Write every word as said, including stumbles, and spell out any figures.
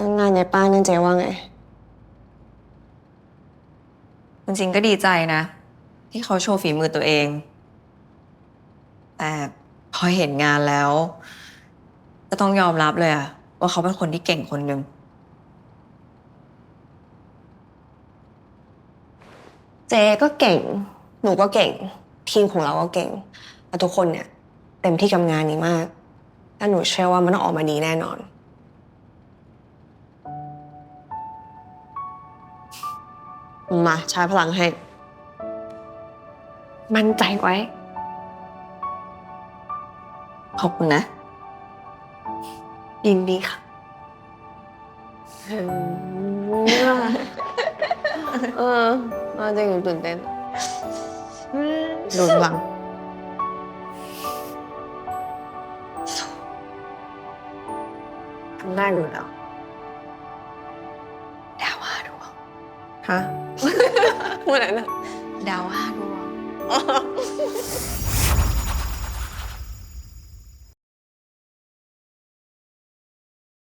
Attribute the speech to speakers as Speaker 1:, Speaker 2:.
Speaker 1: งานยายป้านั่นเจ๊ว่าไง
Speaker 2: จริงๆก็ดีใจนะ ที่เขาโชว์ฝีมือตัวเอง แต่พอเห็นงานแล้ว ก็ต้องยอมรับเลยอะว่าเขาเป็นคนที่เก่งคนหนึ่ง
Speaker 1: เจ๊ก็เก่งหนูก็เก่งทีมของเราก็เก่งแล้วทุกคนเนี่ยเต็มที่กับงานนี้มากและหนูเชื่อว่ามันต้องออกมาดีแน่นอนมาใช้พลังให้มั่นใจไว้
Speaker 2: ขอบคุณนะ
Speaker 1: ยินดีค่ะเออเอาจริงหนูตื่นเต้นดูพลังทำได้อยู่แล้ว
Speaker 2: ดาวห้าดวง
Speaker 1: ฮะ พูดอะไรนะ
Speaker 2: ดาวห้าดวง